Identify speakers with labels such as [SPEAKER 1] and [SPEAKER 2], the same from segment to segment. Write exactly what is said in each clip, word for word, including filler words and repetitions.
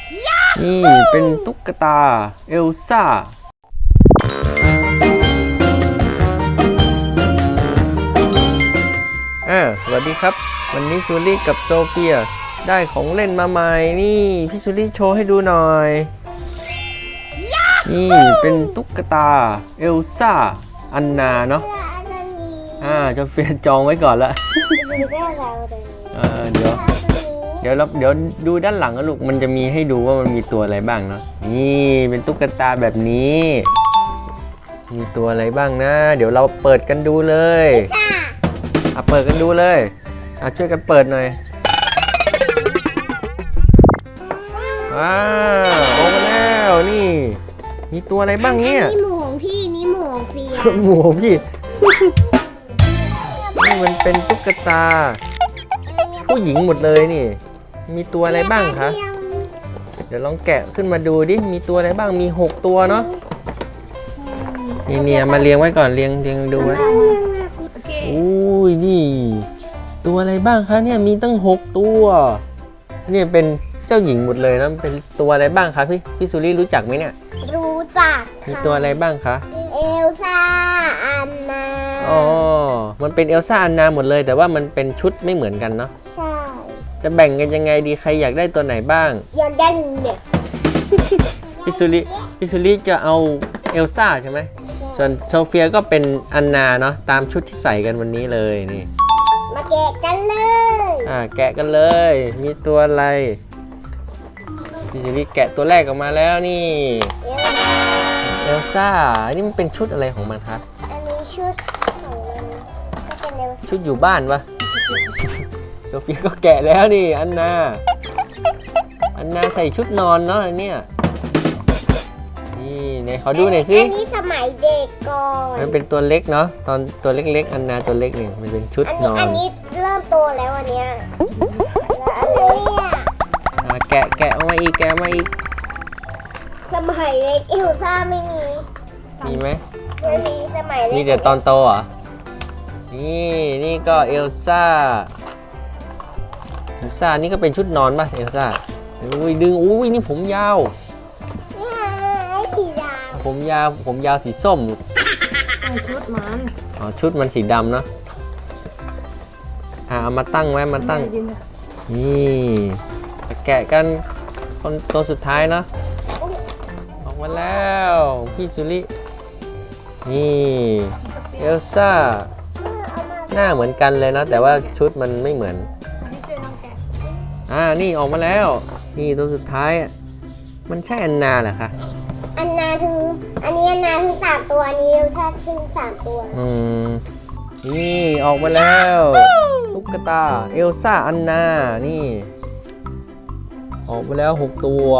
[SPEAKER 1] นี่เป็นตุ๊กตาเอลซ่าอ่าสวัสดีครับวันนี้ซูรี่กับโซเฟียได้ของเล่นมาใหม่นี่พี่ซูรี่โชว์ให้ดูหน่อยนี่เป็นตุ๊กตาเอลซ่าอันนาเนาะอ่าโซเฟียจองไว้ก่อนละอ่าเดี๋ยวเดี๋ยวเราเดี๋ยวดูด้านหลังนะลูกมันจะมีให้ดูว่ามันมีตัวอะไรบ้างเนาะนี่เป็นตุ๊กตาแบบนี้มีตัวอะไรบ้างนะเดี๋ยวเราเปิดกันดูเลยอ่ะเปิดกันดูเลยอ่ะช่วยกันเปิดหน่อยว้าวออกมาแล้วนี่มีตัวอะไรบ้างเนี่ย
[SPEAKER 2] นี่หมูของพี่นี่หมูของเฟีย
[SPEAKER 1] หมูของพี่ นี่มันเป็นตุ๊กตาผู้หญิงหมดเลยนี่มีตัวอะไรบ้างคะเดี๋ยวลองแกะขึ้นมาดูดิมีตัวอะไรบ้างมีหกตัวเนาะนี่เนี่ยมาเรียงไว้ก่อนเรียงเรียงดูไว้อุ้ยนี่ตัวอะไรบ้างคะเนี่ยมีตั้งหกตัวนี่เป็นเจ้าหญิงหมดเลยนะเป็นตัวอะไรบ้างคะพี่พี่สุรี่รู้จักไหมเนี่ย
[SPEAKER 2] รู้จัก
[SPEAKER 1] มีตัวอะไรบ้างคะ
[SPEAKER 2] เอลซ่าอันนา
[SPEAKER 1] อ๋อมันเป็นเอลซ่าอันนาหมดเลยแต่ว่ามันเป็นชุดไม่เหมือนกันเนาะ
[SPEAKER 2] ใช่
[SPEAKER 1] จะแบ่งกันยังไงดีใครอยากได้ตัวไหนบ้าง
[SPEAKER 2] อยากได้เนี่ย
[SPEAKER 1] พี่สุริพี่สุริจะเอาเอลซ่าใช่ไหมส่วนโซเฟียก็เป็นอันนาเนาะตามชุดที่ใส่กันวันนี้เลยนี่
[SPEAKER 2] มาแกะกันเลย
[SPEAKER 1] อ่าแกะกันเลยมีตัวอะไรพี่สุริแกะตัวแรกออกมาแล้วนี่เอลซ่าอันนี้มันเป็นชุดอะไรของมันคะ
[SPEAKER 2] อันนี้ชุดของมันก็เป็นเอลซ่า
[SPEAKER 1] ชุดอยู่บ้านปะโซเฟียก็แกะแล้วนี่อันนาอันนาใส่ชุดนอนเนาะอันเนี้ยนี่ไหนขอดูหน่อยสิ
[SPEAKER 2] อันนี้สมัยเด็กก่อน
[SPEAKER 1] มันเป็นตัวเล็กเนาะตอนตัวเล็กๆอันนาตัวเล็กนี่มันเป็นชุดนอน
[SPEAKER 2] อันนี้เริ่มโตแล้วอันเนี้ยแล้วอันนี้
[SPEAKER 1] อ่ะแกะแกะออกมาอีกแกะมาอีก
[SPEAKER 2] สมัยเล็กเอลซ่าไม่มี
[SPEAKER 1] มีไหม
[SPEAKER 2] ไม่มีสมัยเล็ก
[SPEAKER 1] มีแต่ตอนโตเหรอนี่นี่ก็เอลซ่าเอลซ่านี่ก็เป็นชุดนอนป่ะเอลซ่าอุ้ยดึงอุ้ยนี่ผมยาว
[SPEAKER 2] นี่ไอ้สีดำ
[SPEAKER 1] ผมยาวผมยาวสีส้ม
[SPEAKER 3] ชุดมัน
[SPEAKER 1] อ๋อชุดมันสีดำเนาะอ่ะเอามาตั้งไว้มาตั้งนี่แกะกันคนตัวสุดท้ายเนาะออกมาแล้วพี่สุรินี่เอลซ่าหน้าเหมือนกันเลยนะแต่ว่าชุดมันไม่เหมือนอ่านี่ออกมาแล้วนี่ตัวสุดท้ายมันใช่อันนาเหรอคะ
[SPEAKER 2] อันนาถึงอันนี้อันนาถึงสามตัวอันนี้เอลซ่าถึงสามตัว
[SPEAKER 1] อืมนี่ออกมาแล้วตุ๊กตาเอลซ่าอันนานี่ออกมาแล้วหกตัว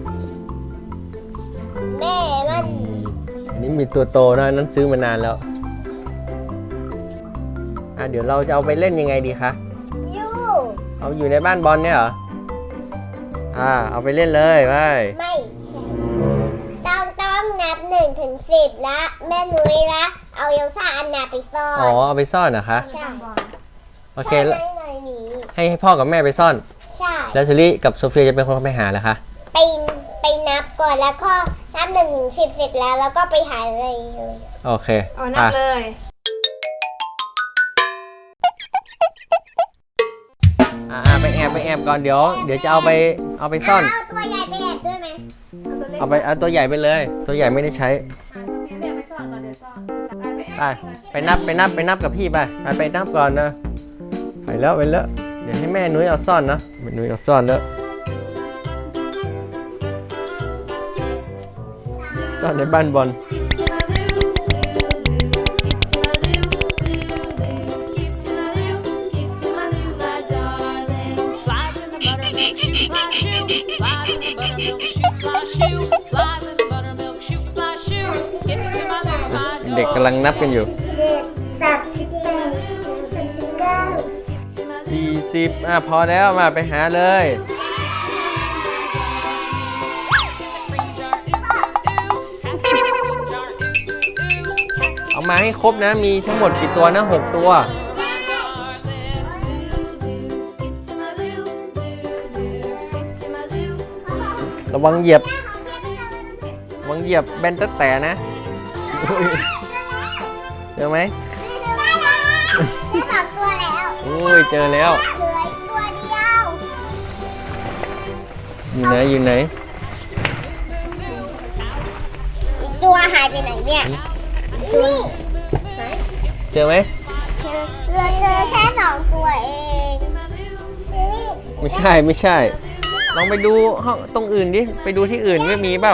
[SPEAKER 2] แม่มัน
[SPEAKER 1] อันนี้มีตัวโตนะนั้นซื้อมานานแล้วอ่ะเดี๋ยวเราจะเอาไปเล่นยังไงดีคะ
[SPEAKER 2] ยู
[SPEAKER 1] เอาอยู่ในบ้านบอลเนี่ยเหรออ่าเอาไปเล่นเลยไป
[SPEAKER 2] ไม่ใช่ต้องต้องนับหนึ่งถึงสิบละแม่นุ้ยละเอาเอลซ่าอันนาไปซ่อน
[SPEAKER 1] อ๋อเอาไปซ่อนเหรอคะ
[SPEAKER 2] ใช่
[SPEAKER 1] โอเคให้ให้พ่อกับแม่ไปซ่อน
[SPEAKER 2] ใช่
[SPEAKER 1] แล้วซูรี่กับโซเฟียจะเป็นคนไปหาเหรอคะ
[SPEAKER 2] ไปไปนับก่อนแล้วก็นับหนึ่งถึงสิบเสร็จแล้วแล้วก็ไปหาอะไรเลย
[SPEAKER 1] โอเค
[SPEAKER 3] เอานับเลย
[SPEAKER 1] อ่าไปแอบไปแอบก่อนเดี๋ยวเดี๋ยวจะเอาไปเอาไปซ่อน
[SPEAKER 2] เอาตัวใหญ่ไปแอบด้วยไหม
[SPEAKER 1] เอาไปเอาตัวใหญ่ไปเลยตัวใหญ่ไม่ได้ใช้ไปไปนับไปนับไปนับกับพี่ไปไปไปนับก่อนนะไปแล้วไปแล้วเดี๋ยวให้แม่นุ้ยเอาซ่อนนะแม่นุ้ยเอาซ่อนแล้วซ่อนในบ้านบอลเด็กกำลังนับกันอยู่
[SPEAKER 2] สามสิบเจ็ดเก้า
[SPEAKER 1] สี่สิบอ่ะพอแล้วมาไปหาเลยเอามาให้ครบนะมีทั้งหมดกี่ตัวนะหกตัว
[SPEAKER 2] เ
[SPEAKER 1] ระวังเหยียบระวังเหยียบแบนตะแต่นะเจอไหม
[SPEAKER 2] ได้สองตัวแล้ว
[SPEAKER 1] โอ้ยเจอแล้ว
[SPEAKER 2] เหลืออีกตัวเดียว
[SPEAKER 1] อยู่ไหนอยู่ไหน
[SPEAKER 2] อีกตัวหายไปไหนเนี่ยนี่
[SPEAKER 1] เจอไหม
[SPEAKER 2] เหลือเจอแค่สองตัวเองนี่
[SPEAKER 1] ไม่ใช่ไม่ใช่ ลองไปดูห้องตรงอื่นดิไปดูที่อื่นไม่มีเปล่า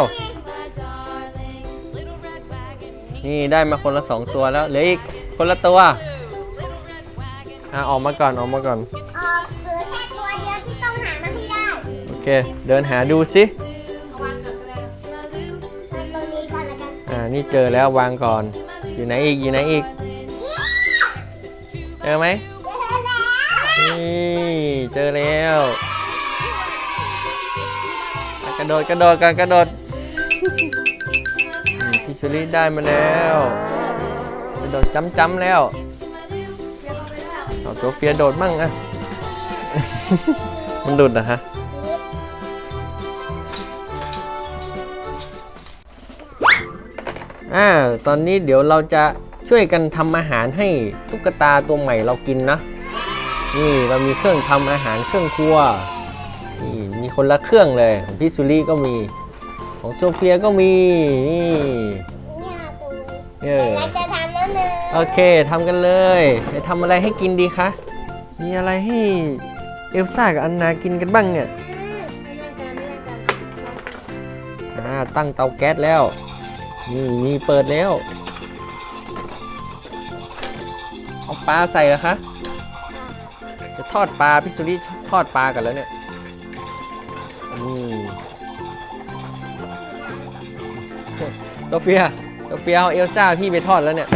[SPEAKER 1] นี่ได้มาคนละสองตัวแล้วเหลืออีกคนละตัวอ่ะออกมาก่อนออกมาก่อน
[SPEAKER 2] ออกเหลือแค่ตัวเดียวที่ต้องหามาให้ได้
[SPEAKER 1] โอเคเดินหาดูสิ
[SPEAKER 2] ตรงนี้ก่อนแล้วกัน
[SPEAKER 1] อ่านี่เจอแล้ววางก่อนอยู่ไหนอีกอยู่ไหนอีกเจอไหม
[SPEAKER 2] เจอแล้ว
[SPEAKER 1] นี่เจอแล้วอ่ะกระโดดกระโดดกันกระโดดอืมพี่ชูริได้มาแล้วกระโดดจ้ำจ้ำแล้วเอาตัวเฟียโดดมั่งอ่ะ มันดุดนะฮะอ่าตอนนี้เดี๋ยวเราจะช่วยกันทำอาหารให้ตุ๊กตาตัวใหม่เรากินนะนี่เรามีเครื่องทำอาหารเครื่องครัวนี่มีคนละเครื่องเลยของพี่สุรี่ก็มีของโซเฟียก็มีนี่
[SPEAKER 2] เนี่ยตัว
[SPEAKER 1] เออ
[SPEAKER 2] เราจะทำแล้วหนึ่ง
[SPEAKER 1] โอเคทำกันเลยจะทำอะไรให้กินดีคะมีอะไรให้เอลซ่ากับอันนากินกันบ้างเนี่ยอ่าตั้งเตาแก๊สแล้วนี่นี่เปิดแล้วเอาปลาใส่เหรอคะจะทอดปลาพี่สุรี่ทอดปลากันแล้วเนี่ยอืมโซเฟียโซเฟียเอาเอลซ่าพี่ไปทอดแล้วเนี่ย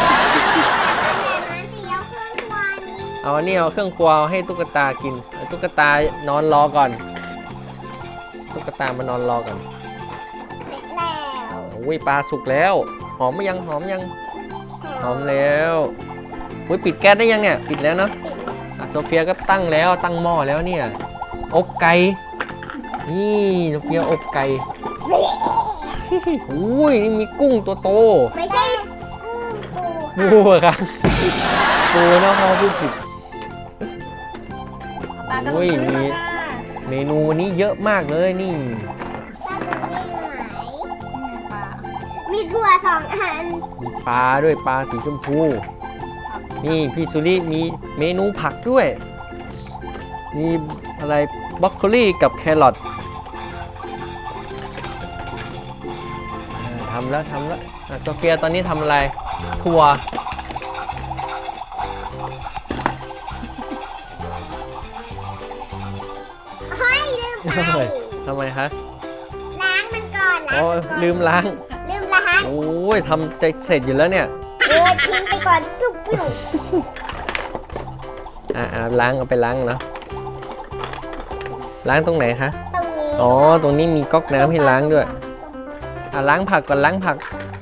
[SPEAKER 1] เอาอันนี้เอาเครื่องครัวให้ตุ๊กตากินเอาตุ๊กตานอนรอก่อนตุ๊กตามานอนรอก่อน
[SPEAKER 2] เสร็จแล้ว
[SPEAKER 1] โอ้ยปลาสุกแล้วหอมไหมยังหอมยังหอมแล้วอุ้ยปิดแก๊สได้ยังเนี่ยปิดแล้วเนาะอ่ะโซเฟียก็ตั้งแล้วตั้งหม้อแล้วเนี่ยอบไก่นี่โซเฟียอบไก่อุ้ยนี่มีกุ้งตัวโต
[SPEAKER 2] ไม่ใช่กุ้งปู
[SPEAKER 1] ปูอะครับปูเนาะพ่อพูดผิด
[SPEAKER 3] ปลากระ
[SPEAKER 1] โอ้ย
[SPEAKER 3] ซื้อ
[SPEAKER 1] มี
[SPEAKER 3] มาค่ะ
[SPEAKER 1] เมนูวันนี้เยอะมากเลยนี่
[SPEAKER 2] ถ้าตรงนี้อยู่ไหน
[SPEAKER 3] ปลา
[SPEAKER 2] มีถั่วสองอัน
[SPEAKER 1] มีปลาด้วยปลาสีชมพู นี่พี่สุริมีเมนูผักด้วย มีอะไรบรอกโคลีกับแครอทอ่าทำแล้วทำแล้วอ่ะโซเฟียตอนนี้ทำอะไรถั่ว
[SPEAKER 2] เฮ้ยลืมไป
[SPEAKER 1] เฮ้ยทำไมคะ
[SPEAKER 2] ล้างมันก่อนล้าง
[SPEAKER 1] โอ้
[SPEAKER 2] มันก่อน
[SPEAKER 1] ลืมล้าง
[SPEAKER 2] ลืมล้าง
[SPEAKER 1] โอ้ยทำจะเสร็จอยู่แล้วเนี่ย
[SPEAKER 2] เออทิ้งไปก่อนปุ๊บปุ๊บ
[SPEAKER 1] อ่าอ่าล้างเอาไปล้างเนาะล้างตรงไหนคะ
[SPEAKER 2] ตรงนี้
[SPEAKER 1] อ๋อตรงนี้มีก๊อกน้ำให้ล้างด้วยอ่าล้างผักก่อนล้างผัก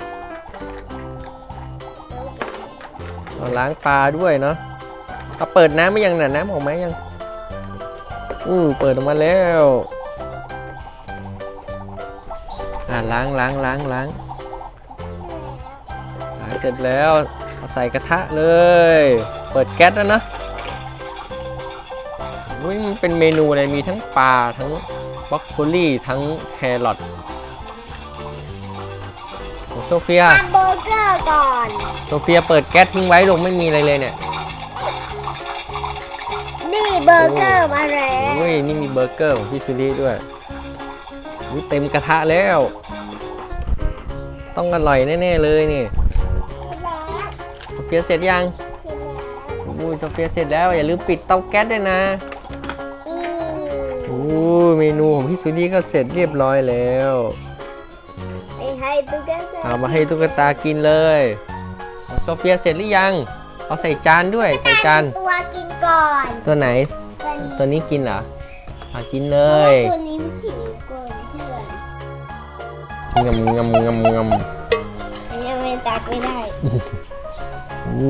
[SPEAKER 1] เอาล้างปลาด้วยเนาะเอาเปิดน้ำไม่ยังน่ะน้ำออกไหมยังอู้เปิดออกมาแล้วอ่าล้างล้างล้างล้างล้างเสร็จแล้วเอาใส่กระทะเลย เปิดแก๊สแล้วนะอุ้ยมันเป็นเมนูอะไรมีทั้งปลาทั้งบรอกโคลีทั้งแครอทของโซเฟีย
[SPEAKER 2] ทำเบอร์เกอร์ก่อน
[SPEAKER 1] โซเฟียเปิดแก๊สทิ้งไว้ลงไม่มีอะไรเลยเนี่ย
[SPEAKER 2] นี่เบอร์เกอร์มาแล้ว
[SPEAKER 1] อุ้ยนี่มีเบอร์เกอร์ของพี่ซูรี่ด้วยอุ้ยเต็มกระทะแล้ว ต้องอร่อยแน่ๆเลยนี่
[SPEAKER 2] แล้ว
[SPEAKER 1] โซเฟียเสร็จยัง
[SPEAKER 2] ทีนี้
[SPEAKER 1] อุ้ยโซเฟียเสร็จแล้วอย่าลืมปิดเตาแก๊สด้วยนะ
[SPEAKER 2] อี
[SPEAKER 1] อู้เมนูของพี่ซูรี่ก็เสร็จเรียบร้อยแล้ว
[SPEAKER 2] ไปให้ตุ๊กตา
[SPEAKER 1] เอามาให้ตุ๊กตากินเลยโซเฟียเสร็จหรือยังเอาใส่จานด้วยใส่จาน
[SPEAKER 2] ตัวกินก่อน
[SPEAKER 1] ตัวไหน
[SPEAKER 2] ตัวนี้
[SPEAKER 1] ตัวนี้กินเหรออ่ะกินเล
[SPEAKER 2] เพราะ
[SPEAKER 1] ย
[SPEAKER 2] ว่าตัวนี้มันขิงก่อนเพื่อน
[SPEAKER 1] งำงำงำงำ
[SPEAKER 2] อันนี้ไม่ตักไม่ได้
[SPEAKER 1] อู้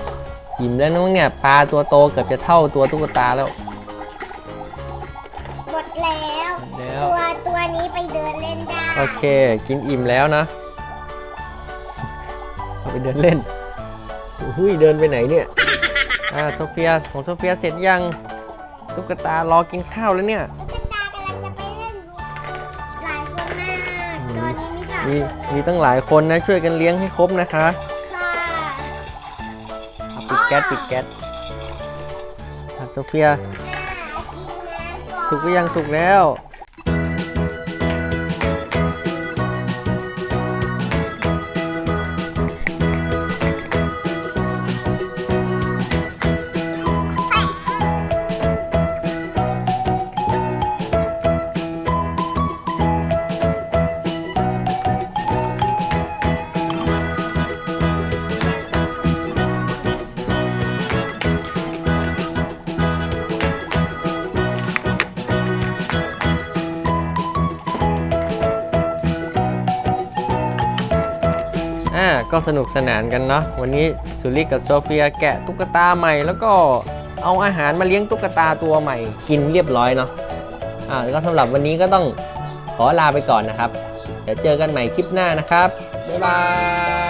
[SPEAKER 1] อิ่มแล้วน้องเนี่ยปลาตัวโตเกือบจะเท่าตัวตุ๊กตาแล้ว
[SPEAKER 2] บมดแล้ว
[SPEAKER 1] แล้ว
[SPEAKER 2] ตัวตัวนี้ไปเดินเล่นได้
[SPEAKER 1] โอเค กินอิ่มแล้วนะเอาไปเดินเล่นอุ้ยเดินไปไหนเนี่ยอ่าโซเฟียของโซเฟียเสร็จยังตุ๊กตารอกินข้าวแล้วเนี่ย
[SPEAKER 2] ตุ๊กตากำลังจะไปเล่นหลายคนมากตอนนี้มีสาม
[SPEAKER 1] มี
[SPEAKER 2] คน
[SPEAKER 1] มีตั้งหลายคนนะช่วยกันเลี้ยงให้ครบนะคะ
[SPEAKER 2] ค่ะ
[SPEAKER 1] เอาปิดแก๊สปิดแก๊สอ่ะโซเฟีย
[SPEAKER 2] อ่ากินน้ำก่อน
[SPEAKER 1] สุกหรือยังสุกแล้ว อ่าก็สนุกสนานกันเนาะวันนี้สุริกับโซเฟียแกะตุ๊กตาใหม่แล้วก็เอาอาหารมาเลี้ยงตุ๊กตาตัวใหม่กินเรียบร้อยเนาะอ่าแล้วก็สำหรับวันนี้ก็ต้องขอลาไปก่อนนะครับเดี๋ยวเจอกันใหม่คลิปหน้านะครับบ๊ายบาย